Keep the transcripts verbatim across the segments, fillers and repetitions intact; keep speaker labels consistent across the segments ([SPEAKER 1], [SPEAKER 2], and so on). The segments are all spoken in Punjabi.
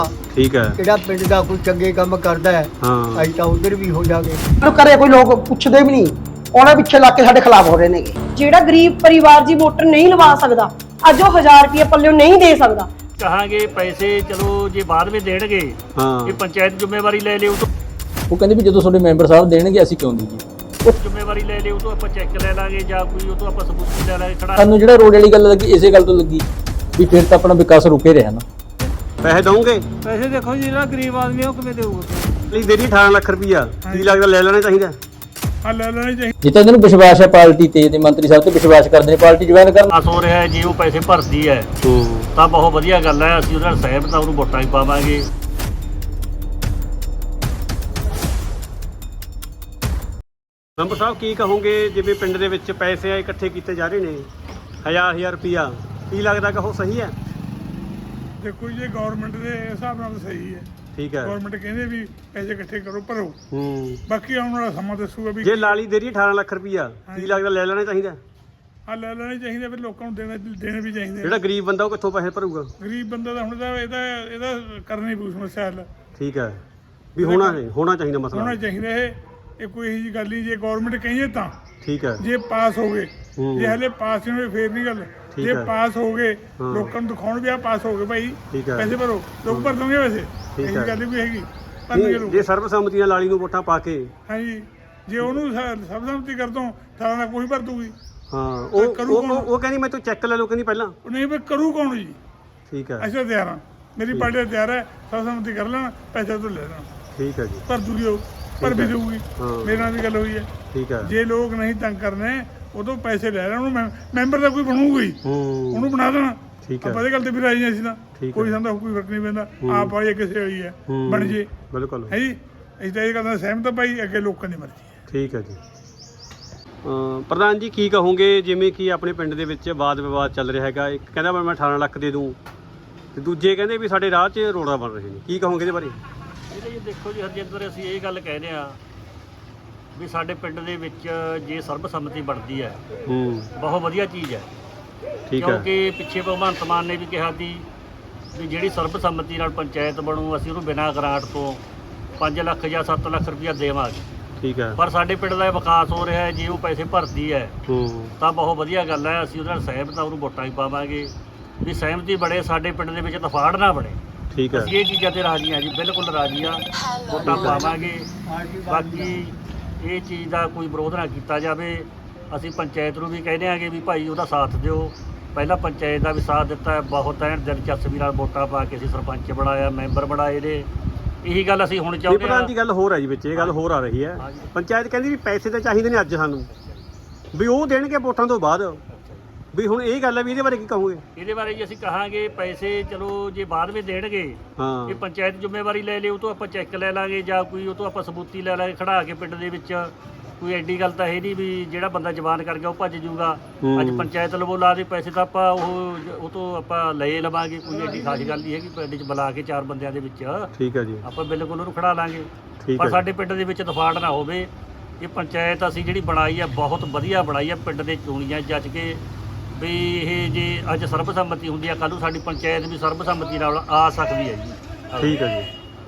[SPEAKER 1] ठीक है
[SPEAKER 2] ਜਿਹੜਾ ਪਿੰਡ ਦਾ ਕੋਈ ਚੰਗੇ ਕੰਮ ਕਰਦਾ ਹੈ
[SPEAKER 1] हाँ
[SPEAKER 2] ਅਸੀਂ ਤਾਂ ਉਧਰ ਵੀ ਹੋ ਜਾਗੇ।
[SPEAKER 3] ਨੂੰ ਕਰੇ ਕੋਈ ਲੋਕ ਪੁੱਛਦੇ ਵੀ ਨਹੀਂ, ਉਹਨਾਂ ਪਿੱਛੇ ਲੱਗ ਕੇ ਸਾਡੇ ਖਿਲਾਫ ਹੋ ਰਹੇ ਨੇਗੇ।
[SPEAKER 4] ਜਿਹੜਾ ਗਰੀਬ ਪਰਿਵਾਰ ਜੀ ਮੋਟਰ ਨਹੀਂ ਲਵਾ ਸਕਦਾ, ਅੱਜ ਉਹ ਹਜ਼ਾਰ ਰੁਪਏ ਪੱਲਿਓ ਨਹੀਂ ਦੇ ਸਕਦਾ।
[SPEAKER 5] ਕਹਾਂਗੇ ਪੈਸੇ ਚਲੋ ਜੇ ਬਾਅਦ ਵਿੱਚ ਦੇਣਗੇ
[SPEAKER 1] हाँ
[SPEAKER 5] ਇਹ ਪੰਚਾਇਤ ਜ਼ਿੰਮੇਵਾਰੀ ਲੈ ਲਿਓ ਤੋਂ
[SPEAKER 6] ਉਹ ਕਹਿੰਦੇ ਵੀ ਜਦੋਂ ਤੁਹਾਡੇ ਮੈਂਬਰ ਸਾਹਿਬ ਦੇਣਗੇ ਅਸੀਂ ਕਿਉਂ ਦਈਏ।
[SPEAKER 5] ਜ਼ਿੰਮੇਵਾਰੀ ਲੈ ਲਿਓ ਤੋਂ ਆਪਾਂ ਚੈੱਕ ਲੈ ਲਾਂਗੇ ਜਾਂ ਕੋਈ ਉਹ ਤੋਂ ਆਪਾਂ ਸਬੂਤ ਲੈ ਲਾਂਗੇ ਖੜਾ।
[SPEAKER 6] ਸਾਨੂੰ ਜਿਹੜਾ ਰੋਡ ਵਾਲੀ ਗੱਲ ਲੱਗੀ ਇਸੇ ਗੱਲ ਤੋਂ ਲੱਗੀ ਵੀ ਫਿਰ ਤਾਂ ਆਪਣਾ ਵਿਕਾਸ ਰੁਕੇ ਰਿਹਾ ਨਾ।
[SPEAKER 1] पैसे दोगे
[SPEAKER 7] पैसे देखो जी ਜਿਹੜਾ ਗਰੀਬ ਆਦਮੀ ਉਹ ਕਿਵੇਂ ਦੇਊਗਾ।
[SPEAKER 1] ਲਈ ਦੇਰੀ अठारह ਲੱਖ ਰੁਪਈਆ ਕੀ ਲੱਗਦਾ ਲੈ ਲੈਣਾ ਚਾਹੀਦਾ।
[SPEAKER 7] ਹਾਂ ਲੈ ਲੈਣੇ ਚਾਹੀਦੇ।
[SPEAKER 6] ਜਿੱਥੇ ਇਹਨਾਂ ਨੂੰ ਵਿਸ਼ਵਾਸ ਹੈ ਪਾਰਟੀ ਤੇ ਤੇ ਮੰਤਰੀ ਸਾਹਿਬ ਤੇ ਵਿਸ਼ਵਾਸ ਕਰਦੇ ਨੇ, ਪਾਰਟੀ ਜੁਆਇਨ ਕਰਨ।
[SPEAKER 5] ਆਸ ਹੋ ਰਿਹਾ ਹੈ ਜੇ ਉਹ ਪੈਸੇ ਭਰਦੀ ਹੈ ਤਾਂ ਬਹੁਤ ਵਧੀਆ ਗੱਲ ਹੈ, ਅਸੀਂ ਉਹਦੇ ਨਾਲ ਸਹਿਮਤ ਹਾਂ, ਉਹਨੂੰ ਵੋਟਾਂ ਵੀ ਪਾਵਾਂਗੇ।
[SPEAKER 1] ਮੈਂਬਰ ਸਾਹਿਬ ਕੀ ਕਹੋਗੇ ਜਿਵੇਂ ਪਿੰਡ ਦੇ ਵਿੱਚ ਪੈਸੇ ਇਕੱਠੇ ਕੀਤੇ ਜਾ ਰਹੇ ਨੇ ਹਜ਼ਾਰ ਹਜ਼ਾਰ ਰੁਪਈਆ, ਕੀ ਲੱਗਦਾ ਕਿ ਉਹ ਸਹੀ ਹੈ।
[SPEAKER 7] ਦੇਖੋ ਜੀ ਗਵਰਨਮੈਂਟ ਦੇ ਹਿਸਾਬ ਨਾਲ ਸਹੀ ਹੈ।
[SPEAKER 1] ਠੀਕ ਹੈ
[SPEAKER 7] ਗਵਰਨਮੈਂਟ ਕਹਿੰਦੇ ਵੀ ਪੈਸੇ ਇਕੱਠੇ ਕਰੋ ਭਰੋ,
[SPEAKER 1] ਹੂੰ
[SPEAKER 7] ਬਾਕੀ ਆਉਣ ਵਾਲਾ ਸਮਾਂ ਦੱਸੂਗਾ ਵੀ
[SPEAKER 1] ਜੇ ਲਾਲੀ ਦੇਰੀ ਅਠਾਰਾਂ ਲੱਖ ਰੁਪਈਆ ਕੀ ਲੱਗਦਾ ਲੈ ਲੈਣਾ ਚਾਹੀਦਾ।
[SPEAKER 7] ਹਾਂ ਲੈ ਲੈਣੇ ਚਾਹੀਦੇ, ਫਿਰ ਲੋਕਾਂ ਨੂੰ ਦੇਣੇ ਦੇਣੇ ਵੀ ਚਾਹੀਦੇ।
[SPEAKER 1] ਜਿਹੜਾ ਗਰੀਬ ਬੰਦਾ ਉਹ ਕਿੱਥੋਂ ਪੈਸੇ ਭਰੂਗਾ।
[SPEAKER 7] ਗਰੀਬ ਬੰਦਾ ਤਾਂ ਹੁਣ ਤਾਂ ਇਹਦਾ ਇਹਦਾ ਕਰਨੀ ਪਊ ਸਮੱਸਿਆ ਹੱਲ।
[SPEAKER 1] ਠੀਕ ਹੈ ਵੀ ਹੋਣਾ ਹੈ ਹੋਣਾ ਚਾਹੀਦਾ ਮਸਲਾ।
[SPEAKER 7] ਹੋਣਾ ਚਾਹੀਦਾ ਇਹ ਇਹ ਕੋਈ ਇਹੋ ਜਿਹੀ ਗੱਲ ਨਹੀਂ। ਜੇ ਗਵਰਨਮੈਂਟ ਕਹੀਏ ਤਾਂ
[SPEAKER 1] ਠੀਕ ਹੈ
[SPEAKER 7] ਜੇ ਪਾਸ ਹੋ ਗਏ,
[SPEAKER 1] ਹੂੰ।
[SPEAKER 7] ਜੇ ਹਲੇ ਪਾਸ ਨਹੀਂ ਹੋਏ ਫੇਰ ਨਹੀਂ ਗੱਲ।
[SPEAKER 1] ਠੀਕ
[SPEAKER 7] ਜੇ
[SPEAKER 1] ਹੈ।
[SPEAKER 7] ਪਾਸ ਹੋ ਗਏ
[SPEAKER 1] ਹਾਂ।
[SPEAKER 7] ਲੋਕਾਂ ਨੂੰ ਦਿਖਾਉਣ ਵੀ ਆ ਪਾਸ ਹੋ ਗਏ ਭਾਈ,
[SPEAKER 1] ਠੀਕ ਹੈ।
[SPEAKER 7] ਪੈਸੇ ਭਰੋ, ਲੋਕ ਭਰ ਦੋਗੇ ਵੈਸੇ।
[SPEAKER 1] ਠੀਕ
[SPEAKER 7] ਇਹ
[SPEAKER 1] ਹੈ।
[SPEAKER 7] ਗੱਲ ਵੀ ਹੈਗੀ ਭਰਨਗੇ
[SPEAKER 1] ਨਹੀਂ,
[SPEAKER 7] ਲੋਕ।
[SPEAKER 1] ਜੇ ਸਰਬਸੰਮਤੀ ਨਾਲ ਲਾਲੀ ਨੂੰ ਵੋਟਾਂ ਪਾ ਕੇ
[SPEAKER 7] ਹਾਂਜੀ ਜੇ ਉਹਨੂੰ ਸਰਬਸੰਮਤੀ ਕਰ ਦੋ ਤਾਂ ਨਾਲ ਕੋਈ ਭਰ ਦੂਗੀ।
[SPEAKER 1] ਹਾਂ ਉਹ
[SPEAKER 7] ਕਰੂ
[SPEAKER 1] ਉਹ
[SPEAKER 7] ਕੌਣ?
[SPEAKER 1] ਉਹ ਕਹਿੰਦੀ ਮੈਂ ਤੂੰ ਚੈੱਕ ਲੈ ਲਓ, ਕਹਿੰਦੀ ਪਹਿਲਾਂ।
[SPEAKER 7] ਉਹ ਨਹੀਂ ਵੀ ਕਰੂ ਕੌਣ ਜੀ।
[SPEAKER 1] ਠੀਕ ਹੈ
[SPEAKER 7] ਅਸੀਂ ਤਾਂ ਤਿਆਰ ਹਾਂ, ਮੇਰੀ ਪਾਰਟੀ ਤਾਂ ਤਿਆਰ ਹੈ, ਸਰਬਸੰਮਤੀ ਕਰ ਲੈਣਾ, ਪੈਸੇ ਤੋਂ ਲੈ ਲੈਣਾ,
[SPEAKER 1] ਠੀਕ ਹੈ ਜੀ
[SPEAKER 7] ਭਰ ਦੂਗੀ ਉਹ, ਭਰ ਵੀ ਦਊਗੀ।
[SPEAKER 1] ਹਾਂ।
[SPEAKER 7] ਮੇਰੇ ਨਾਲ ਵੀ ਗੱਲ ਹੋਈ ਹੈ।
[SPEAKER 1] ਠੀਕ ਹੈ
[SPEAKER 7] ਜੇ ਲੋਕ ਨਹੀਂ ਤੰਗ ਕਰਨੇ ਉਦੋਂ ਪੈਸੇ ਲੈ ਲੈਣ, ਉਹਨੂੰ ਮੈਂ- ਮੈਂਬਰ ਦਾ ਕੋਈ ਬਣੂਗਾ ਹੀ,
[SPEAKER 1] ਹੂੰ
[SPEAKER 7] ਉਹਨੂੰ ਬਣਾ ਦੇਣਾ।
[SPEAKER 1] ਠੀਕ ਹੈ
[SPEAKER 7] ਆਪਾਂ ਇਹ ਗੱਲ ਤੇ ਵੀ ਰਾਜੀ ਹਾਂ ਅਸੀਂ ਤਾਂ,
[SPEAKER 1] ਠੀਕ
[SPEAKER 7] ਕੋਈ
[SPEAKER 1] ਹੈ।
[SPEAKER 7] ਸਾਨੂੰ ਕੋਈ ਫਰਕ ਨਹੀਂ ਪੈਂਦਾ।
[SPEAKER 1] ਹੂੰ।
[SPEAKER 7] ਆਪ ਵਾਲੀ ਕਿਸੇ ਵਾਲੀ ਹੈ
[SPEAKER 1] ਹੂੰ।
[SPEAKER 7] ਬਣ ਜੇ
[SPEAKER 1] ਬਿਲਕੁਲ
[SPEAKER 7] ਹੈ ਜੀ। ਅਸੀਂ ਤਾਂ ਇਹ ਗੱਲ ਨਾਲ ਸਹਿਮਤ ਹਾਂ ਭਾਈ, ਅੱਗੇ ਲੋਕਾਂ ਦੀ ਮਰਜ਼ੀ ਹੈ।
[SPEAKER 1] ਠੀਕ ਹੈ ਜੀ। ਅਮ ਪ੍ਰਧਾਨ ਜੀ ਕੀ ਕਹੋਗੇ ਜਿਵੇਂ ਕਿ ਆਪਣੇ ਪਿੰਡ ਦੇ ਵਿੱਚ ਵਾਦ ਵਿਵਾਦ ਚੱਲ ਰਿਹਾ ਹੈਗਾ, ਇੱਕ ਕਹਿੰਦਾ ਮੈਂ ਅਠਾਰਾਂ ਲੱਖ ਦੇ ਦੂੰ ਤੇ ਦੂਜੇ ਕਹਿੰਦੇ ਵੀ ਸਾਡੇ ਰਾਹ 'ਚ ਰੋੜਾ ਬਣ ਰਹੇ ਨੇ, ਕੀ ਕਹੋਗੇ ਇਹਦੇ ਬਾਰੇ।
[SPEAKER 5] ਇਹਦੇ ਜੀ ਦੇਖੋ ਜੀ ਹਰਜਿੰਦਰ, ਅਸੀਂ ਇਹ ਗੱਲ ਕਹਿੰਦੇ ਆ ਵੀ ਸਾਡੇ ਪਿੰਡ ਦੇ ਵਿੱਚ ਜੇ ਸਰਬਸੰਮਤੀ ਬਣਦੀ ਹੈ
[SPEAKER 1] ਹੂੰ
[SPEAKER 5] ਬਹੁਤ ਵਧੀਆ ਚੀਜ਼ ਹੈ।
[SPEAKER 1] ਠੀਕ ਹੈ
[SPEAKER 5] ਕਿਉਂਕਿ ਪਿੱਛੇ ਭਗਵੰਤ ਮਾਨ ਨੇ ਵੀ ਕਿਹਾ ਸੀ ਵੀ ਜਿਹੜੀ ਸਰਬਸੰਮਤੀ ਨਾਲ ਪੰਚਾਇਤ ਬਣੂ ਅਸੀਂ ਉਹਨੂੰ ਬਿਨਾਂ ਗ੍ਰਾਂਟ ਤੋਂ ਪੰਜ ਲੱਖ ਜਾਂ ਸੱਤ ਲੱਖ ਰੁਪਇਆ ਦੇਵਾਂਗੇ।
[SPEAKER 1] ਠੀਕ ਹੈ
[SPEAKER 5] ਪਰ ਸਾਡੇ ਪਿੰਡ ਦਾ ਇਹ ਵਿਕਾਸ ਹੋ ਰਿਹਾ ਹੈ, ਜੇ ਉਹ ਪੈਸੇ ਭਰਦੀ ਹੈ
[SPEAKER 1] ਹੂੰ
[SPEAKER 5] ਤਾਂ ਬਹੁਤ ਵਧੀਆ ਗੱਲ ਹੈ, ਅਸੀਂ ਉਹਦੇ ਨਾਲ ਸਹਿਮਤ ਹਾਂ, ਉਹਨੂੰ ਵੋਟਾਂ ਵੀ ਪਾਵਾਂਗੇ। ਵੀ ਸਹਿਮਤੀ ਬਣੇ, ਸਾਡੇ ਪਿੰਡ ਦੇ ਵਿੱਚ ਤਫਾੜ ਨਾ ਬਣੇ।
[SPEAKER 1] ਠੀਕ ਹੈ
[SPEAKER 5] ਅਸੀਂ ਇਹ ਚੀਜ਼ਾਂ ਤੇ ਰਾਜੀ ਹਾਂ ਜੀ, ਬਿਲਕੁਲ ਰਾਜੀ ਹਾਂ, ਵੋਟਾਂ ਪਾਵਾਂਗੇ। ਬਾਕੀ ਇਹ ਚੀਜ਼ ਦਾ ਕੋਈ ਵਿਰੋਧ ਨਾ ਕੀਤਾ ਜਾਵੇ। ਅਸੀਂ ਪੰਚਾਇਤ ਨੂੰ ਵੀ ਕਹਿੰਦੇ ਆਂਗੇ ਵੀ ਭਾਈ ਉਹਦਾ ਸਾਥ ਦਿਓ। ਪਹਿਲਾਂ ਪੰਚਾਇਤ ਦਾ ਵੀ ਸਾਥ ਦਿੱਤਾ ਹੈ, ਬਹੁਤ ਐਨ ਦਿਲਚਸਪੀ ਨਾਲ ਵੋਟਾਂ ਪਾ ਕੇ ਅਸੀਂ ਸਰਪੰਚ ਬਣਾਇਆ, ਮੈਂਬਰ ਬਣਾਏ ਨੇ। ਇਹੀ ਗੱਲ ਅਸੀਂ ਹੁਣ
[SPEAKER 1] ਇਹ
[SPEAKER 5] ਚਾਹੁੰਦੇ
[SPEAKER 1] ਪ੍ਰਧਾਨ
[SPEAKER 5] ਹਾਂ।
[SPEAKER 1] ਦੀ ਗੱਲ ਹੋਰ ਹੈ ਜੀ ਵਿੱਚ, ਇਹ ਗੱਲ ਹੋਰ ਆ ਰਹੀ ਹੈ।
[SPEAKER 5] ਹਾਂਜੀ।
[SPEAKER 1] ਪੰਚਾਇਤ ਕਹਿੰਦੀ ਵੀ ਪੈਸੇ ਤਾਂ ਚਾਹੀਦੇ ਨੇ ਅੱਜ ਸਾਨੂੰ, ਵੀ ਉਹ ਦੇਣਗੇ ਵੋਟਾਂ ਤੋਂ ਬਾਅਦ। ਵੀ ਹੁਣ ਇਹ ਗੱਲ ਹੈ ਵੀ ਇਹਦੇ ਬਾਰੇ ਕੀ ਕਹੋਗੇ।
[SPEAKER 5] ਇਹਦੇ ਬਾਰੇ ਜੀ ਅਸੀਂ ਕਹਾਂਗੇ ਪੈਸੇ ਚਲੋ ਜੇ ਬਾਅਦ ਵਿੱਚ ਦੇਣਗੇ
[SPEAKER 1] ਹਾਂ
[SPEAKER 5] ਇਹ ਪੰਚਾਇਤ ਜ਼ਿੰਮੇਵਾਰੀ ਲੈ ਲਿਓ, ਉਹ ਤੋਂ ਆਪਾਂ ਚੈੱਕ ਲੈ ਲਾਂਗੇ ਜਾਂ ਕੋਈ ਉਹ ਤੋਂ ਆਪਾਂ ਸਬੂਤੀ ਲੈ ਲਾਂਗੇ ਖੜਾ ਕੇ ਪਿੰਡ ਦੇ ਵਿੱਚ। ਕੋਈ ਐਡੀ ਗੱਲ ਤਾਂ ਹੈ ਨਹੀਂ ਵੀ ਜਿਹੜਾ ਬੰਦਾ ਜ਼ਬਾਨ ਕਰ ਗਿਆ ਉਹ ਭੱਜ ਜਾਊਗਾ। ਅੱਜ
[SPEAKER 1] ਹੂੰ।
[SPEAKER 5] ਪੰਚਾਇਤ ਲਵੋ ਲਾ ਦੇ ਪੈਸੇ ਤਾਂ ਆਪਾਂ ਉਹ ਉਹ ਤੋਂ ਆਪਾਂ ਲਏ ਲਵਾਂਗੇ, ਕੋਈ ਐਡੀ ਖਾਸ ਗੱਲ ਨਹੀਂ ਹੈਗੀ। ਪਿੰਡ 'ਚ ਬੁਲਾ ਕੇ ਚਾਰ ਬੰਦਿਆਂ ਦੇ ਵਿੱਚ
[SPEAKER 1] ਠੀਕ ਹੈ ਜੀ
[SPEAKER 5] ਆਪਾਂ ਬਿਲਕੁਲ ਉਹਨੂੰ ਖੜਾ ਲਾਂਗੇ।
[SPEAKER 1] ਠੀਕ
[SPEAKER 5] ਪਰ
[SPEAKER 1] ਹੈ
[SPEAKER 5] ਸਾਡੇ ਪਿੰਡ ਦੇ ਵਿੱਚ ਤਫਾੜ ਨਾ ਹੋਵੇ। ਇਹ ਪੰਚਾਇਤ ਅਸੀਂ ਜਿਹੜੀ ਬਣਾਈ ਹੈ ਬਹੁਤ ਵਧੀਆ ਬਣਾਈ ਹੈ, ਪਿੰਡ ਦੇ ਚੋਣੀਆਂ ਜੱਜ ਕੇ ਵੀ ਇਹ ਜੇ ਅੱਜ ਸਰਬਸੰਮਤੀ ਹੁੰਦੀ ਹੈ ਕੱਲ੍ਹ ਨੂੰ ਸਾਡੀ ਪੰਚਾਇਤ ਵੀ ਸਰਬਸੰਮਤੀ ਨਾਲ ਆ ਸਕਦੀ ਹੈ ਜੀ।
[SPEAKER 1] ਠੀਕ ਹੈ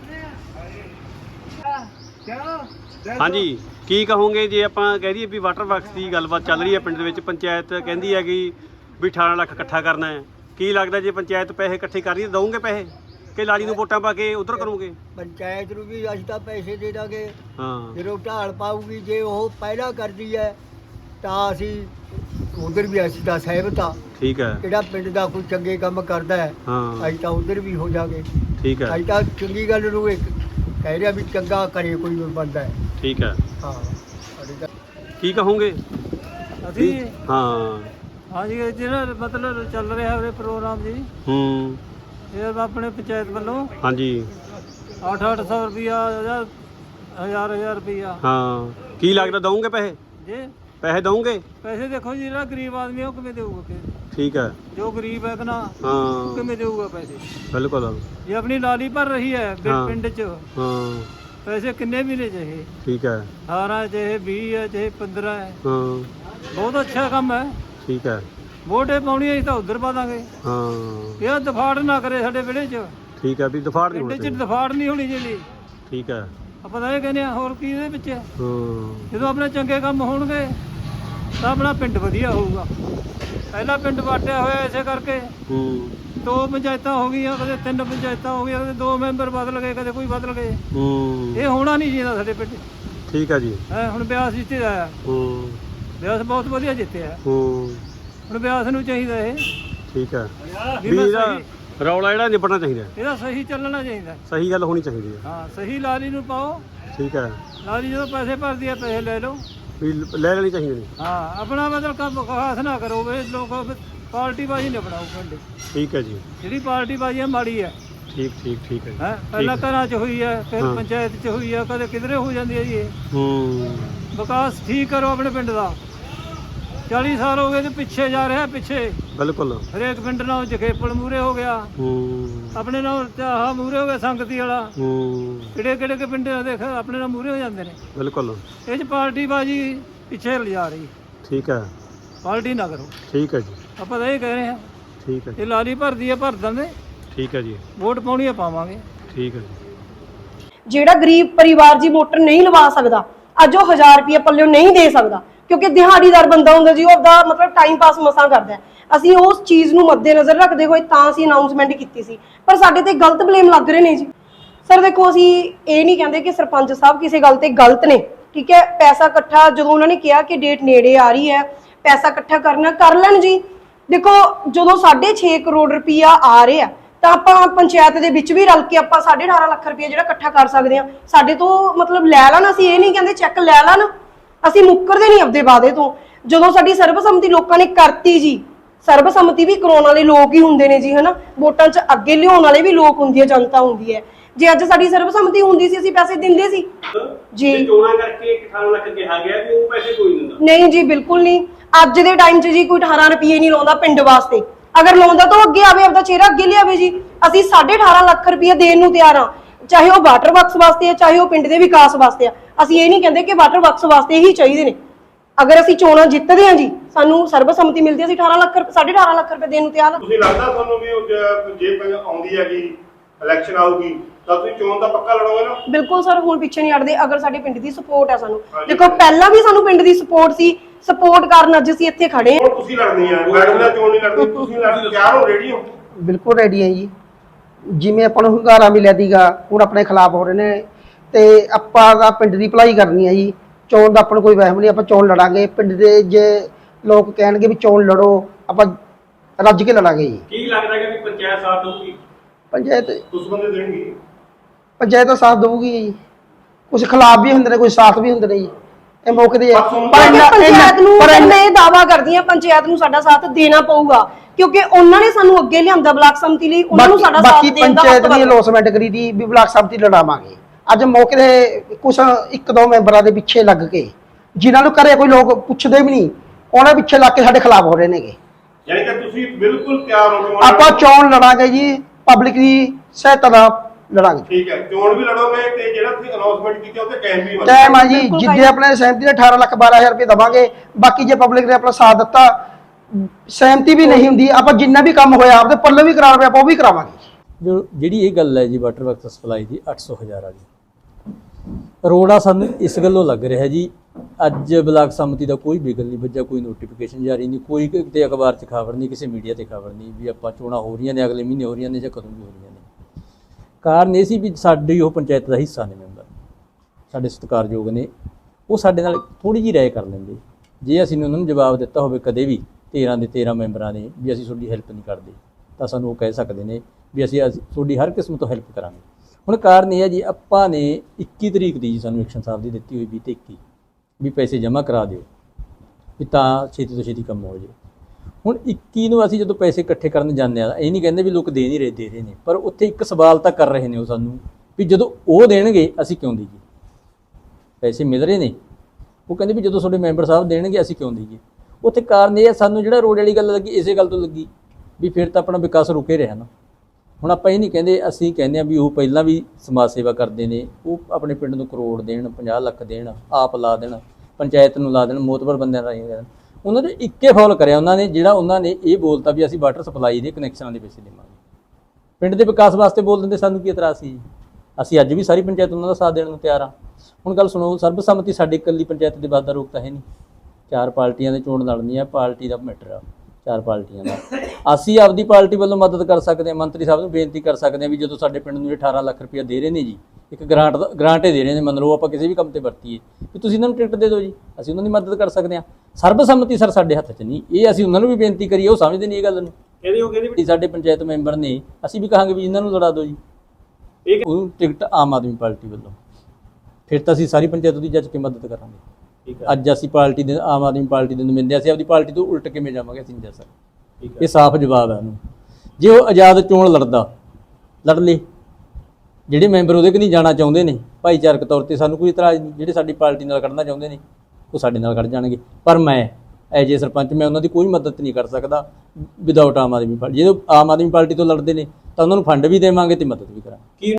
[SPEAKER 1] ਜੀ। ਹਾਂਜੀ ਕੀ ਕਹੋਗੇ ਜੇ ਆਪਾਂ ਕਹਿ ਦਈਏ ਵੀ ਵਾਟਰ ਵਰਕਸ ਦੀ ਗੱਲਬਾਤ ਚੱਲ ਰਹੀ ਹੈ ਪਿੰਡ ਦੇ ਵਿੱਚ, ਪੰਚਾਇਤ ਕਹਿੰਦੀ ਹੈਗੀ ਵੀ ਅਠਾਰਾਂ ਲੱਖ ਇਕੱਠਾ ਕਰਨਾ ਹੈ, ਕੀ ਲੱਗਦਾ ਜੇ ਪੰਚਾਇਤ ਪੈਸੇ ਇਕੱਠੇ ਕਰ ਰਹੀ ਹੈ ਦਊਂਗੇ ਪੈਸੇ ਕਿ ਲਾਲੀ ਨੂੰ ਵੋਟਾਂ ਪਾ ਕੇ ਉਧਰ ਕਰੋਗੇ।
[SPEAKER 2] ਪੰਚਾਇਤ ਨੂੰ ਵੀ ਅਸੀਂ ਤਾਂ ਪੈਸੇ ਦੇ ਦਾਂਗੇ
[SPEAKER 1] ਹਾਂ
[SPEAKER 2] ਜਦੋਂ ਢਾਲ ਪਾਊਗੀ। ਜੇ ਉਹ ਪਹਿਲਾਂ ਕਰਦੀ ਹੈ ਤਾਂ ਅਸੀਂ ਉਧਰ ਵੀ ਅਸੀਂ ਤਾਂ ਸਹਿਮਤ ਹਾਂ।
[SPEAKER 1] ਠੀਕ ਹੈ
[SPEAKER 2] ਜਿਹੜਾ ਪਿੰਡ ਦਾ ਕੋਈ ਚੰਗੇ ਕੰਮ ਕਰਦਾ ਹੈ
[SPEAKER 1] ਹਾਂ
[SPEAKER 2] ਅਸੀਂ ਤਾਂ ਉਧਰ ਵੀ ਹੋ ਜਾਗੇ।
[SPEAKER 1] ਠੀਕ ਹੈ
[SPEAKER 2] ਅਸੀਂ ਤਾਂ ਚੰਗੀ ਗੱਲ ਨੂੰ ਇੱਕ ਕਹਿ ਰਿਹਾ ਵੀ ਚੰਗਾ ਕਰੇ ਕੋਈ ਬੰਦਾ ਹੈ।
[SPEAKER 1] ਠੀਕ ਹੈ
[SPEAKER 2] ਹਾਂ ਸਾਡੀ ਤਾਂ
[SPEAKER 1] ਕੀ ਕਹੋਗੇ।
[SPEAKER 7] ਅਸੀਂ
[SPEAKER 1] ਹਾਂ
[SPEAKER 7] ਹਾਂਜੀ ਜਿਹੜਾ ਮਤਲਬ ਚੱਲ ਰਿਹਾ ਉਹਦੇ ਪ੍ਰੋਗਰਾਮ ਜੀ,
[SPEAKER 1] ਹੂੰ
[SPEAKER 7] ਇਹ ਆਪਣੇ ਪੰਚਾਇਤ ਵੱਲੋਂ
[SPEAKER 1] ਹਾਂਜੀ
[SPEAKER 7] ਅੱਠ ਅੱਠ ਸੌ ਰੁਪਇਆ ਜਾਂ ਹਜ਼ਾਰ ਹਜ਼ਾਰ ਰੁਪਇਆ
[SPEAKER 1] ਹਾਂ ਕੀ ਲੱਗਦਾ ਦਊਂਗੇ ਪੈਸੇ
[SPEAKER 7] ਜੇ
[SPEAKER 1] ਪੈਸੇ ਦਊਂਗੇ।
[SPEAKER 7] ਪੈਸੇ ਦੇਖੋ ਜੀ ਜਿਹੜਾ ਗਰੀਬ ਆਦਮੀ ਉਹ ਕਿਵੇਂ ਦੇਊਗਾ ਫਿਰ?
[SPEAKER 1] ਠੀਕ ਹੈ
[SPEAKER 7] ਜੋ ਗਰੀਬ ਹੈ ਨਾ ਉਹ
[SPEAKER 1] ਹਾਂ
[SPEAKER 7] ਕਿਵੇਂ ਦੇਊਗਾ ਪੈਸੇ?
[SPEAKER 1] ਬਿਲਕੁਲ
[SPEAKER 7] ਜੇ ਆਪਣੀ ਲਾਲੀ ਭਰ ਰਹੀ ਹੈ ਪਿੰ-
[SPEAKER 1] ਹਾਂ।
[SPEAKER 7] ਪਿੰਡ 'ਚ
[SPEAKER 1] ਹਾਂ
[SPEAKER 7] ਪੈਸੇ ਕਿੰਨੇ ਵੀ ਨੇ ਚਾਹੇ
[SPEAKER 1] ਠੀਕ ਹੈ
[SPEAKER 7] ਅਠਾਰਾਂ ਚਾਹੇ ਵੀਹ ਹੈ ਚਾਹੇ ਪੰਦਰਾਂ ਹੈ,
[SPEAKER 1] ਹਾਂ
[SPEAKER 7] ਬਹੁਤ ਅੱਛਾ ਕੰਮ ਹੈ।
[SPEAKER 1] ਠੀਕ ਹੈ
[SPEAKER 7] ਵੋਟੇ ਪਾਉਣੀ ਅਸੀਂ ਤਾਂ ਉਧਰ ਪਾ ਦਾਂਗੇ।
[SPEAKER 1] ਹਾਂ
[SPEAKER 7] ਇਹ ਦਫਾੜ ਨਾ ਕਰੇ ਸਾਡੇ ਵਿਹੜੇ 'ਚ।
[SPEAKER 1] ਠੀਕ ਹੈ ਵੀ ਦਫਾੜ ਨਹੀਂ
[SPEAKER 7] ਪਿੰਡ
[SPEAKER 1] ਹੋਣੀ
[SPEAKER 7] 'ਚ ਦਫਾੜ ਨਹੀਂ ਹੋਣੀ ਚਾਹੀਦੀ।
[SPEAKER 1] ਠੀਕ ਹੈ।
[SPEAKER 7] ਆਪਾਂ ਤਾਂ ਇਹ ਕਹਿੰਦੇ ਆ, ਹੋਰ ਕੀ ਇਹਦੇ ਵਿੱਚ ਹੈ?
[SPEAKER 1] ਹਾਂ
[SPEAKER 7] ਜਦੋਂ ਆਪਣੇ ਚੰਗੇ ਕੰਮ ਹੋਣਗੇ ਤਾਂ ਆਪਣਾ ਪਿੰਡ ਵਧੀਆ ਹੋਊਗਾ। ਪਹਿਲਾ ਪਿੰਡ ਵਾਟਿਆ ਹੋਇਆ ਇਸੇ ਕਰਕੇ,
[SPEAKER 1] ਹੂੰ
[SPEAKER 7] ਦੋ ਪੰਚਾਇਤਾਂ ਹੋ ਗਈਆਂ, ਕਦੇ ਤਿੰਨ ਪੰਚਾਇਤਾਂ ਹੋ ਗਈਆਂ, ਕਦੇ ਦੋ ਮੈਂਬਰ ਬਦਲ ਗਏ, ਕਦੇ ਕੋਈ ਬਦਲ ਗਏ।
[SPEAKER 1] ਹੂੰ
[SPEAKER 7] ਇਹ ਹੋਣਾ ਨਹੀਂ ਚਾਹੀਦਾ ਸਾਡੇ ਪਿੰਡ।
[SPEAKER 1] ਠੀਕ ਹੈ ਜੀ।
[SPEAKER 7] ਹੈ ਹੁਣ ਬਿਆਸ ਜਿੱਤਿਆ ਆ,
[SPEAKER 1] ਹੂੰ
[SPEAKER 7] ਬਿਆਸ ਬਹੁਤ ਵਧੀਆ ਜਿੱਤਿਆ।
[SPEAKER 1] ਹੂੰ
[SPEAKER 7] ਹੁਣ ਬਿਆਸ ਨੂੰ ਚਾਹੀਦਾ ਇਹ
[SPEAKER 1] ਠੀਕ ਹੈ
[SPEAKER 7] ਵੀ
[SPEAKER 1] ਵੀ
[SPEAKER 7] ਮੈਂ
[SPEAKER 1] ਇਹਦਾ
[SPEAKER 7] ਸਹੀ-
[SPEAKER 1] ਰੌਲਾ ਜਿਹੜਾ ਨਿਬੜਨਾ ਚਾਹੀਦਾ,
[SPEAKER 7] ਇਹਦਾ ਸਹੀ ਚੱਲਣਾ ਚਾਹੀਦਾ।
[SPEAKER 1] ਸਹੀ ਗੱਲ ਹੋਣੀ ਚਾਹੀਦੀ ਹੈ।
[SPEAKER 7] ਹਾਂ ਸਹੀ ਲਾਲੀ ਨੂੰ ਪਾਓ।
[SPEAKER 1] ਠੀਕ ਹੈ
[SPEAKER 7] ਲਾਲੀ ਜਦੋਂ ਪੈਸੇ ਭਰਦੀ ਆ ਪੈਸੇ ਲੈ ਲਓ।
[SPEAKER 1] ਵੀ ਲੈ ਲੈਣੀ ਚਾਹੀਦੀ ਨੇ।
[SPEAKER 7] ਹਾਂ ਆਪਣਾ ਮਤਲਬ ਕੰਮ ਖਾਸ ਨਾ ਕਰੋ ਵੇ ਲੋਕ ਪਾਰਟੀ ਬਾਜੀ ਨਾ ਬਣਾਓ ਪਿੰਡ।
[SPEAKER 1] ਠੀਕ ਹੈ ਜੀ।
[SPEAKER 7] ਜਿਹੜੀ ਪਾਰਟੀ ਬਾਜੀ ਹੈ ਮਾੜੀ ਹੈ।
[SPEAKER 1] ਠੀਕ ਠੀਕ ਠੀਕ ਹੈ ਜੀ।
[SPEAKER 7] ਹੈ ਪਹਿਲਾਂ ਘਰਾਂ 'ਚ ਹੋਈ ਹੈ, ਫਿਰ
[SPEAKER 1] ਹਾਂ।
[SPEAKER 7] ਪੰਚਾਇਤ 'ਚ ਹੋਈ ਹੈ, ਕਦੇ ਕਿਧਰੇ ਹੋ ਜਾਂਦੀ ਹੈ ਜੀ ਇਹ।
[SPEAKER 1] ਹੂੰ
[SPEAKER 7] ਵਿਕਾਸ ਠੀਕ ਕਰੋ ਆਪਣੇ ਪਿੰਡ ਦਾ। ਚਾਲੀ ਸਾਲ ਹੋ ਗਏ ਤੇ ਪਿੱਛੇ ਜਾ ਰਿਹਾ, ਪਿੱਛੇ
[SPEAKER 1] ਬਿਲਕੁਲ।
[SPEAKER 7] ਹਰੇਕ ਪਿੰਡ ਨਾਲ ਜਖੇਪਲ ਮੂਰੇ ਹੋ ਗਿਆ,
[SPEAKER 1] ਹੂੰ
[SPEAKER 7] ਆਪਣੇ ਨਾਲ ਆਹ ਮੂਰੇ ਹੋ ਗਿਆ ਸੰਗਤੀ ਵਾਲਾ।
[SPEAKER 1] ਹੂੰ
[SPEAKER 7] ਕਿਹੜੇ ਕਿਹੜੇ ਕੇ ਪਿੰਡ ਦੇਖ ਆਪਣੇ ਨਾਲ ਮੂਰੇ ਹੋ ਜਾਂਦੇ ਨੇ।
[SPEAKER 1] ਬਿਲਕੁਲ
[SPEAKER 7] ਇਹ 'ਚ ਪਾਰਟੀ ਬਾਜੀ ਪਿੱਛੇ ਲਿਜਾ ਰਹੀ।
[SPEAKER 1] ਠੀਕ ਹੈ
[SPEAKER 7] ਪਾਰਟੀ ਨਾ ਕਰੋ।
[SPEAKER 1] ਠੀਕ ਹੈ ਜੀ।
[SPEAKER 7] ਆਪਾਂ ਤਾਂ ਇਹ ਕਹਿ ਰਹੇ ਹਾਂ,
[SPEAKER 1] ਠੀਕ ਹੈ
[SPEAKER 7] ਇਹ ਲਾਲੀ ਭਰਦੀ ਹੈ ਭਰ ਦਿੰਦੇ,
[SPEAKER 1] ਠੀਕ ਹੈ ਜੀ।
[SPEAKER 7] ਵੋਟ ਪਾਉਣੀ ਹੈ ਪਾਵਾਂਗੇ।
[SPEAKER 1] ਠੀਕ ਹੈ ਜੀ।
[SPEAKER 4] ਜਿਹੜਾ ਗਰੀਬ ਪਰਿਵਾਰ ਜੀ ਮੋਟਰ ਨਹੀਂ ਲਵਾ ਸਕਦਾ, ਅੱਜ ਉਹ ਹਜ਼ਾਰ ਰੁਪਏ ਪੱਲਿਓ ਨਹੀਂ ਦੇ ਸਕਦਾ, ਕਿਉਂਕਿ ਦਿਹਾੜੀਦਾਰ ਬੰਦਾ ਹੁੰਦਾ ਜੀ, ਉਹ ਆਪਦਾ ਮਤਲਬ ਟਾਈਮ ਪਾਸ ਮਸਾਂ ਕਰਦਾ ਹੈ। ਅਸੀਂ ਉਸ ਚੀਜ਼ ਨੂੰ ਮੱਦੇਨਜ਼ਰ ਰੱਖਦੇ ਹੋਏ ਤਾਂ ਅਸੀਂ ਅਨਾਉਂਸਮੈਂਟ ਕੀਤੀ ਸੀ, ਪਰ ਸਾਡੇ ਤੇ ਗਲਤ ਬਲੇਮ ਲੱਗ ਰਹੇ ਨੇ ਜੀ। ਸਰ ਦੇਖੋ, ਅਸੀਂ ਇਹ ਨਹੀਂ ਕਹਿੰਦੇ ਕਿ ਸਰਪੰਚ ਸਾਹਿਬ ਕਿਸੇ ਗੱਲ ਤੇ ਗਲਤ ਨੇ, ਠੀਕ ਹੈ। ਪੈਸਾ ਇਕੱਠਾ ਜਦੋਂ ਉਹਨਾਂ ਨੇ ਕਿਹਾ ਕਿ ਡੇਟ ਨੇੜੇ ਆ ਰਹੀ ਹੈ, ਪੈਸਾ ਇਕੱਠਾ ਕਰਨਾ ਕਰ ਲੈਣ ਜੀ। ਦੇਖੋ ਜਦੋਂ ਸਾਢੇ ਛੇ ਕਰੋੜ ਰੁਪਈਆ ਆ ਰਿਹਾ ਤਾਂ ਆਪਾਂ ਪੰਚਾਇਤ ਦੇ ਵਿੱਚ ਵੀ ਰਲ ਕੇ ਆਪਾਂ ਸਾਢੇ ਅਠਾਰਾਂ ਲੱਖ ਰੁਪਈਆ ਜਿਹੜਾ ਇਕੱਠਾ ਕਰ ਸਕਦੇ ਹਾਂ। ਸਾਡੇ ਤੋਂ ਮਤਲਬ ਲੈ ਲੈਣ, ਅਸੀਂ ਇਹ ਨਹੀਂ ਕਹਿੰਦੇ ਚੈੱਕ ਲੈ ਲੈਣ, ਅਸੀਂ ਮੁੱਕਰਦੇ ਨਹੀਂ ਆਪਦੇ ਵਾਅਦੇ ਤੋਂ। ਜਦੋਂ ਸਾਡੀ ਸਰਬਸੰਮਤੀ ਲੋਕਾਂ ਨੇ ਕਰਤੀ ਜੀ, ਸਰਬਸੰਮਤੀ ਵੀ ਕਰਾਉਣ ਵਾਲੇ ਲੋਕ ਹੀ ਹੁੰਦੇ ਨੇ ਜੀ, ਹਨਾ। ਵੋਟਾਂ 'ਚ ਅੱਗੇ ਲਿਆਉਣ ਵਾਲੇ ਵੀ ਲੋਕ ਹੁੰਦੀ ਹੈ, ਜਨਤਾ ਹੁੰਦੀ ਹੈ। ਜੇ ਅੱਜ ਸਾਡੀ ਸਰਬਸੰਮਤੀ ਹੁੰਦੀ ਸੀ, ਅਸੀਂ ਪੈਸੇ ਦਿੰਦੇ ਸੀ ਜੀ।
[SPEAKER 1] ਚੋਣਾਂ ਕਰਕੇ ਅਠਾਰਾਂ ਲੱਖ ਕਿਹਾ ਗਿਆ ਵੀ ਉਹ ਪੈਸੇ ਕੋਈ ਨਹੀਂ ਦਿੰਦਾ।
[SPEAKER 4] ਨਹੀਂ ਜੀ, ਬਿਲਕੁਲ ਨਹੀਂ। ਅੱਜ ਦੇ ਟਾਈਮ 'ਚ ਜੀ ਕੋਈ ਅਠਾਰਾਂ ਰੁਪਏ ਨਹੀਂ ਲਾਉਂਦਾ ਪਿੰਡ ਵਾਸਤੇ। ਅਗਰ ਲਾਉਂਦਾ ਤਾਂ ਉਹ ਅੱਗੇ ਆਵੇ, ਆਪਦਾ ਚਿਹਰਾ ਅੱਗੇ ਲਿਆਵੇ ਜੀ। ਅਸੀਂ ਸਾਢੇ ਅਠਾਰਾਂ ਲੱਖ ਰੁਪਏ ਦੇਣ ਨੂੰ ਤਿਆਰ ਹਾਂ, ਚਾਹੇ ਉਹ ਵਾਟਰ ਵਰਕਸ ਵਾਸਤੇ ਹੈ, ਚਾਹੇ ਉਹ ਪਿੰਡ ਦੇ ਵਿਕਾਸ ਵਾਸਤੇ ਆ। ਅਸੀਂ ਇਹ ਨਹੀਂ ਕਹਿੰਦੇ ਕਿ ਵਾਟਰ ਵਰਕਸ ਵਾਸਤੇ ਹੀ ਚਾਹੀਦੇ ਨੇ। ਅਗਰ ਅਸੀਂ ਚੋਣਾਂ ਜਿੱਤਦੇ ਹਾਂ ਜੀ, ਸਾਨੂੰ ਸਰਬਸੰਮਤੀ ਮਿਲਦੀ ਹੈ, ਅਸੀਂ ਅਠਾਰਾਂ ਲੱਖ ਸਾਢੇ ਅਠਾਰਾਂ ਲੱਖ ਰੁਪਏ ਦੇਣ ਨੂੰ ਤਿਆਰ ਹਾਂ।
[SPEAKER 8] ਤੁਸੀਂ ਲੱਗਦਾ ਤੁਹਾਨੂੰ ਵੀ ਉਹ ਜ- ਜੇ ਪ- ਆਉਂਦੀ ਹੈਗੀ ਇਲੈਕਸ਼ਨ ਆਊਗੀ ਤਾਂ ਤੁਸੀਂ ਚੋਣ ਦਾ ਪੱਕਾ ਲੜੋਗੇ ਨਾ?
[SPEAKER 4] ਬਿਲਕੁਲ ਸਰ, ਹੁਣ ਪਿੱਛੇ ਨਹੀਂ ਹਟਦੇ। ਅਗਰ ਸਾਡੇ ਪਿੰਡ ਦੀ ਸਪੋਰਟ ਹੈ ਸਾਨੂੰ, ਦੇਖੋ ਪਹਿਲਾਂ ਵੀ ਸਾਨੂੰ ਪਿੰਡ ਦੀ ਸਪੋਰਟ ਸੀ, ਸਪੋਰਟ ਕਰਨ ਅੱਜ ਅਸੀਂ ਇੱਥੇ ਖੜੇ ਹਾਂ।
[SPEAKER 8] ਹੁਣ ਤੁਸੀਂ ਲੜਨੀ ਹੈ, ਮੈਡਮ ਦਾ ਚੋਣ ਨਹੀਂ ਲੜਨੀ, ਤੁਸੀਂ ਲੜ ਤਿਆਰ ਹੋ, ਰੈਡੀ ਹੋ?
[SPEAKER 3] ਬਿਲਕੁਲ ਰੈਡੀ ਹੈ ਜੀ। ਜਿਵੇਂ ਆਪਾਂ ਨੂੰ ਹੁੰਗਾਰਾ ਮਿਲਿਆ ਸੀਗਾ, ਹੁਣ ਆਪਣੇ ਖਿਲਾਫ ਹੋ ਰਹੇ ਨੇ, ਤੇ ਆਪਾਂ ਦਾ ਪਿੰਡ ਦੀ ਭਲਾਈ ਕਰਨੀ ਹੈ ਜੀ। ਚੋਣ ਦਾ ਆਪਾਂ ਨੂੰ ਕੋਈ ਵਹਿਮ ਨਹੀਂ, ਆਪਾਂ ਚੋਣ ਲੜਾਂਗੇ। ਪਿੰਡ ਦੇ ਜੇ ਲੋਕ ਕਹਿਣਗੇ ਵੀ ਚੋਣ ਲੜੋ, ਆਪਾਂ ਰੱਜ ਕੇ ਲੜਾਂਗੇ ਜੀ।
[SPEAKER 1] ਕੀ ਲੱਗਦਾ ਕਿ ਵੀ ਪੰਚਾਇਤ ਸਾਥ ਦਊਗੀ?
[SPEAKER 3] ਪੰਚਾਇਤ
[SPEAKER 8] ਤੁਸੀਂ ਬੰਦੇ ਦੇਣਗੇ?
[SPEAKER 3] ਪੰਚਾਇਤ ਦਾ ਸਾਥ ਦੇਊਗੀ ਜੀ। ਕੁਝ ਖਿਲਾਫ ਵੀ ਹੁੰਦੇ ਨੇ, ਕੁਝ ਸਾਥ ਵੀ ਹੁੰਦੇ ਨੇ ਜੀ। ਇਹ ਮੌਕੇ ਤੇ
[SPEAKER 8] ਪਰ ਸੁਣ-
[SPEAKER 3] ਪਰ ਇੰਨਾ-
[SPEAKER 4] ਪੰਚਾਇਤ ਨੂੰ
[SPEAKER 3] ਪਰ ਇੰਨਾ-
[SPEAKER 4] ਮੈਂ ਇਹ ਦਾਵਾ ਕਰਦੀ ਹਾਂ, ਪੰਚਾਇਤ ਨੂੰ ਸਾਡਾ ਸਾਥ ਦੇਣਾ ਪਊਗਾ, ਕਿਉਂਕਿ ਉਹਨਾਂ ਨੇ ਸਾਨੂੰ ਅੱਗੇ ਲਿਆਂਦਾ ਬਲਾਕ ਸੰਮਤੀ ਲਈ। ਉਹਨਾਂ ਨੂੰ ਸਾਡਾ ਸਾਥ
[SPEAKER 3] ਬਾਕੀ
[SPEAKER 4] ਦੇਣ ਦਾ
[SPEAKER 3] ਪੰਚਾਇਤ
[SPEAKER 4] ਹੱਕ
[SPEAKER 3] ਨੇ
[SPEAKER 4] ਬਣਦਾ।
[SPEAKER 3] ਅਨਾਉਂਸਮੈਂਟ ਕਰੀ ਦੀ ਵੀ ਬਲਾਕ ਸੰਮਤੀ ਲੜਾਵਾਂਗੇ। ਅੱਜ ਮੌਕੇ ਤੇ ਕੁਛ ਇੱਕ ਦੋ ਮੈਂਬਰਾਂ ਦੇ ਪਿੱਛੇ ਲੱਗ ਕੇ, ਜਿਨ੍ਹਾਂ ਨੂੰ ਘਰੇ ਕੋਈ ਲੋਕ ਪੁੱਛਦੇ ਵੀ ਨਹੀਂ, ਉਹਨਾਂ ਪਿੱਛੇ ਲੱਗ ਕੇ ਸਾਡੇ ਖਿਲਾਫ ਹੋ ਰਹੇ ਨੇਗੇ।
[SPEAKER 8] ਯਾਨੀ ਕਿ ਤੁਸੀਂ ਬਿਲਕੁਲ ਤਿਆਰ ਹੋ ਚੋਣ
[SPEAKER 3] ਆਪਾਂ
[SPEAKER 8] ਲੜਨ?
[SPEAKER 3] ਚੋਣ ਲੜਾਂਗੇ ਜੀ, ਪਬਲਿਕ ਦੀ ਸਹਾਇਤਾ ਨਾਲ ਲੜਾਂਗੇ।
[SPEAKER 8] ਠੀਕ ਹੈ, ਚੋਣ ਵੀ ਲੜੋਗੇ ਤੇ ਜਿਹੜਾ ਤੁਸੀਂ ਅਨਾਉਂਸਮੈਂਟ ਕੀਤੀ ਉਹਤੇ ਟਾਈਮ ਵੀ ਹੋਣਾ।
[SPEAKER 3] ਟਾਈਮ ਆ ਜੀ,
[SPEAKER 4] ਬਿਲਕੁਲ
[SPEAKER 3] ਜਿੱਦੇ
[SPEAKER 4] ਭਾਈ।
[SPEAKER 3] ਆਪਣੇ ਸਹਿਮਤੀ ਦੇ ਅਠਾਰਾਂ ਲੱਖ ਬਾਰਾਂ ਹਜ਼ਾਰ ਰੁਪਏ ਦਵਾਂਗੇ। ਬਾਕੀ ਜੇ ਪਬਲਿਕ ਨੇ ਆਪਣਾ ਸਾਥ ਦਿੱਤਾ, ਸਹਿਮਤੀ ਵੀ ਨਹੀਂ ਹੁੰਦੀ, ਆਪਾਂ ਜਿੰਨਾ ਵੀ ਕੰਮ ਹੋਇਆ ਆਪਦੇ ਪੱਲੇ ਵੀ ਕਰਾਉਣਾ ਪਿਆ, ਆਪਾਂ ਉਹ ਵੀ ਕਰਾਵਾਂਗੇ।
[SPEAKER 6] ਜੋ ਜਿਹੜੀ ਇਹ ਗੱਲ ਹੈ ਜੀ ਵਾਟਰ ਵਰਕਸ ਸਪਲਾਈ ਦੀ ਅੱਠ ਸੌ ਹਜ਼ਾਰ ਵਾਲੀ ਰੋੜਾ ਸਾਨੂੰ ਇਸ ਗੱਲੋਂ ਲੱਗ ਰਿਹਾ ਜੀ, ਅੱਜ ਬਲਾਕ ਸੰਮਤੀ ਦਾ ਕੋਈ ਬਿਗਲ ਨਹੀਂ ਵੱਜਾ, ਕੋਈ ਨੋਟੀਫਿਕੇਸ਼ਨ ਜਾਰੀ ਨਹੀਂ, ਕੋਈ ਕਿਤੇ ਅਖਬਾਰ 'ਚ ਖਬਰ ਨਹੀਂ, ਕਿਸੇ ਮੀਡੀਆ ਤੇ ਖਬਰ ਨਹੀਂ ਵੀ ਆਪਾਂ ਚੋਣਾਂ ਹੋ ਰਹੀਆਂ ਨੇ, ਅਗਲੇ ਮਹੀਨੇ ਹੋ ਰਹੀਆਂ ਨੇ ਜਾਂ ਕਦੋਂ ਵੀ ਹੋ ਰਹੀਆਂ ਨੇ। ਕਾਰਨ ਇਹ ਸੀ ਵੀ ਸਾਡੀ ਉਹ ਪੰਚਾਇਤ ਦਾ ਹਿੱਸਾ ਨੇ ਮੈਂਬਰ, ਸਾਡੇ ਸਤਿਕਾਰਯੋਗ ਨੇ, ਉਹ ਸਾਡੇ ਨਾਲ ਥੋੜ੍ਹੀ ਜਿਹੀ ਰਾਏ ਕਰ ਲੈਂਦੇ। ਜੇ ਅਸੀਂ ਉਹਨਾਂ ਨੂੰ ਜਵਾਬ ਦਿੱਤਾ ਹੋਵੇ ਕਦੇ ਵੀ ਤੇਰਾਂ ਦੇ ਤੇਰਾਂ ਮੈਂਬਰਾਂ ਨੇ ਵੀ ਅਸੀਂ ਤੁਹਾਡੀ ਹੈਲਪ ਨਹੀਂ ਕਰਦੇ, ਤਾਂ ਸਾਨੂੰ ਉਹ ਕਹਿ ਸਕਦੇ ਨੇ ਵੀ ਅਸੀਂ ਅਸੀਂ ਤੁਹਾਡੀ ਹਰ ਕਿਸਮ ਤੋਂ ਹੈਲਪ ਕਰਾਂਗੇ। ਹੁਣ ਕਾਰਨ ਇਹ ਹੈ ਜੀ, ਆਪਾਂ ਨੇ ਇੱਕੀ ਤਰੀਕ ਦੀ ਜੀ ਸਾਨੂੰ ਐਕਸ਼ਨ ਸਾਹਿਬ ਦੀ ਦਿੱਤੀ ਹੋਈ, ਵੀਹ ਤੇ ਇੱਕੀ ਵੀ ਪੈਸੇ ਜਮ੍ਹਾਂ ਕਰਾ ਦਿਓ ਵੀ ਤਾਂ ਛੇਤੀ ਤੋਂ ਛੇਤੀ ਕੰਮ ਹੋ ਜਾਏ। ਹੁਣ ਇੱਕੀ ਨੂੰ ਅਸੀਂ ਜਦੋਂ ਪੈਸੇ ਇਕੱਠੇ ਕਰਨ ਜਾਂਦੇ ਹਾਂ, ਇਹ ਨਹੀਂ ਕਹਿੰਦੇ ਵੀ ਲੋਕ ਦੇ ਨਹੀਂ ਰਹੇ, ਦੇ ਰਹੇ ਨੇ, ਪਰ ਉੱਥੇ ਇੱਕ ਸਵਾਲ ਤਾਂ ਕਰ ਰਹੇ ਨੇ ਉਹ ਸਾਨੂੰ ਵੀ ਜਦੋਂ ਉਹ ਦੇਣਗੇ ਅਸੀਂ ਕਿਉਂ ਦੇਈਏ? ਪੈਸੇ ਮਿਲ ਰਹੇ ਨੇ, ਉਹ ਕਹਿੰਦੇ ਵੀ ਜਦੋਂ ਤੁਹਾਡੇ ਮੈਂਬਰ ਸਾਹਿਬ ਦੇਣਗੇ ਅਸੀਂ ਕਿਉਂ ਦੇਈਏ? ਉੱਥੇ ਕਾਰਨ ਇਹ ਹੈ, ਸਾਨੂੰ ਜਿਹੜਾ ਰੋਡ ਵਾਲੀ ਗੱਲ ਲੱਗੀ ਇਸੇ ਗੱਲ ਤੋਂ ਲੱਗੀ ਵੀ ਫਿਰ ਤਾਂ ਆਪਣਾ ਵਿਕਾਸ ਰੁਕੇ ਰਿਹਾ ਨਾ। ਹੁਣ ਆਪਾਂ ਇਹ ਨਹੀਂ ਕਹਿੰਦੇ, ਅਸੀਂ ਕਹਿੰਦੇ ਹਾਂ ਵੀ ਉਹ ਪਹਿਲਾਂ ਵੀ ਸਮਾਜ ਸੇਵਾ ਕਰਦੇ ਨੇ, ਉਹ ਆਪਣੇ ਪਿੰਡ ਨੂੰ ਕਰੋੜ ਦੇਣ, ਪੰਜਾਹ ਲੱਖ ਦੇਣ, ਆਪ ਲਾ ਦੇਣ, ਪੰਚਾਇਤ ਨੂੰ ਲਾ ਦੇਣ, ਮੋਤਬਰ ਬੰਦਿਆਂ ਰਾਹੀਂ ਦੇਣ। ਉਹਨਾਂ ਨੇ ਇੱਕੇ ਫੌਲ ਕਰਿਆ ਉਹਨਾਂ ਨੇ, ਜਿਹੜਾ ਉਹਨਾਂ ਨੇ ਇਹ ਬੋਲਤਾ ਵੀ ਅਸੀਂ ਵਾਟਰ ਸਪਲਾਈ ਦੇ ਕਨੈਕਸ਼ਨਾਂ ਦੇ ਪੈਸੇ ਦੇਵਾਂਗੇ। ਪਿੰਡ ਦੇ ਵਿਕਾਸ ਵਾਸਤੇ ਬੋਲ ਦਿੰਦੇ, ਸਾਨੂੰ ਕੀ ਇਤਰਾਜ਼ ਸੀ ਜੀ। ਅਸੀਂ ਅੱਜ ਵੀ ਸਾਰੀ ਪੰਚਾਇਤ ਉਹਨਾਂ ਦਾ ਸਾਥ ਦੇਣ ਨੂੰ ਤਿਆਰ ਹਾਂ। ਹੁਣ ਗੱਲ ਸੁਣੋ, ਸਰਬਸੰਮਤੀ ਸਾਡੀ ਇਕੱਲੀ ਪੰਚਾਇਤ ਦੇ ਬਾਅਦ ਦਾ ਰੋਕ ਤਾਂ ਹੈ ਨਹੀਂ, ਚਾਰ ਪਾਰਟੀਆਂ ਦੇ ਚੋਣ ਲੜਨੀ ਹੈ, ਪਾਰਟੀ ਦਾ ਮੈਟਰ ਆ ਚਾਰ ਪਾਰਟੀਆਂ ਦਾ। ਅਸੀਂ ਆਪਦੀ ਪਾਰਟੀ ਵੱਲੋਂ ਮਦਦ ਕਰ ਸਕਦੇ ਹਾਂ, ਮੰਤਰੀ ਸਾਹਿਬ ਨੂੰ ਬੇਨਤੀ ਕਰ ਸਕਦੇ ਹਾਂ ਵੀ ਜਦੋਂ ਸਾਡੇ ਪਿੰਡ ਨੂੰ ਇਹ ਅਠਾਰਾਂ ਲੱਖ ਰੁਪਇਆ ਦੇ ਰਹੇ ਨੇ ਜੀ, ਇੱਕ ਗ੍ਰਾਂਟ ਦਾ ਗ੍ਰਾਂਟ ਹੀ ਦੇ ਰਹੇ ਨੇ, ਮੰਨ ਲਓ ਆਪਾਂ ਕਿਸੇ ਵੀ ਕੰਮ ਤੇ ਵਰਤੀਏ, ਵੀ ਤੁਸੀਂ ਇਹਨਾਂ ਨੂੰ ਟਿਕਟ ਦੇ ਦਿਓ ਜੀ, ਅਸੀਂ ਉਹਨਾਂ ਦੀ ਮਦਦ ਕਰ ਸਕਦੇ ਹਾਂ। ਸਰਬਸੰਮਤੀ ਸਰ ਸਾਡੇ ਹੱਥ 'ਚ ਨਹੀਂ, ਇਹ ਅਸੀਂ ਉਹਨਾਂ ਨੂੰ ਵੀ ਬੇਨਤੀ ਕਰੀਏ, ਉਹ ਸਮਝਦੇ ਨਹੀਂ ਇਹ ਗੱਲ ਨੂੰ।
[SPEAKER 1] ਕਹਿੰਦੇ ਉਹ ਕਹਿੰਦੇ
[SPEAKER 6] ਵੀ ਸਾਡੇ ਪੰਚਾਇਤ ਮੈਂਬਰ ਨੇ, ਅਸੀਂ ਵੀ ਕਹਾਂਗੇ ਵੀ ਇਹਨਾਂ ਨੂੰ ਲੜਾ ਦਿਓ ਜੀ,
[SPEAKER 1] ਇਹ
[SPEAKER 6] ਉਹ ਟਿਕਟ ਆਮ ਆਦਮੀ ਪਾਰਟੀ ਵੱਲੋਂ, ਫਿਰ ਤਾਂ ਅਸੀਂ ਸਾਰੀ ਪੰਚਾਇਤ ਦੀ ਜੱਜ ਕੇ ਮਦਦ ਕਰਾਂਗੇ।
[SPEAKER 1] ਠੀਕ ਹੈ,
[SPEAKER 6] ਅੱਜ ਅਸੀਂ ਪਾਰਟੀ ਦੇ ਆਮ ਆਦਮੀ ਪਾਰਟੀ ਦੇ ਨੁਮਾਇੰਦੇ, ਅਸੀਂ ਆਪਦੀ ਪਾਰਟੀ ਤੋਂ ਉਲਟ ਕਿਵੇਂ ਜਾਵਾਂਗੇ, ਅਸੀਂ ਨਹੀਂ ਜਾ ਸਕਦੇ।
[SPEAKER 1] ਠੀਕ ਹੈ,
[SPEAKER 6] ਇਹ ਸਾਫ਼ ਜਵਾਬ ਹੈ ਉਹਨੂੰ। ਜੇ ਉਹ ਆਜ਼ਾਦ ਚੋਣ ਲੜਦਾ, ਲੜ ਲੇ, ਜਿਹੜੇ ਮੈਂਬਰ ਉਹਦੇ ਕਿ ਨਹੀਂ ਜਾਣਾ ਚਾਹੁੰਦੇ ਨੇ ਭਾਈਚਾਰਕ ਤੌਰ ਤੇ, ਸਾਨੂੰ ਕੋਈ ਇਤਰਾਜ਼ ਨਹੀਂ। ਜਿਹੜੇ ਸਾਡੀ ਪਾਰਟੀ ਨਾਲ ਖੜਨਾ ਚਾਹੁੰਦੇ ਨੇ ਉਹ ਸਾਡੇ ਨਾਲ ਖੜ ਜਾਣਗੇ, ਪਰ ਮੈਂ ਐਜ ਏ ਸਰਪੰਚ ਮੈਂ ਉਹਨਾਂ ਦੀ ਕੋਈ ਮਦਦ ਨਹੀਂ ਕਰ ਸਕਦਾ ਵਿਦਆਊਟ ਆਮ ਆਦਮੀ ਪਾਰਟੀ। ਜਦੋਂ ਆਮ ਆਦਮੀ ਪਾਰਟੀ ਤੋਂ ਲੜਦੇ ਨੇ ਤਾਂ ਉਹਨਾਂ ਨੂੰ ਫੰਡ ਵੀ ਦੇਵਾਂਗੇ ਤੇ ਮਦਦ ਵੀ ਕਰਾਂਗੇ।
[SPEAKER 1] ਕੀ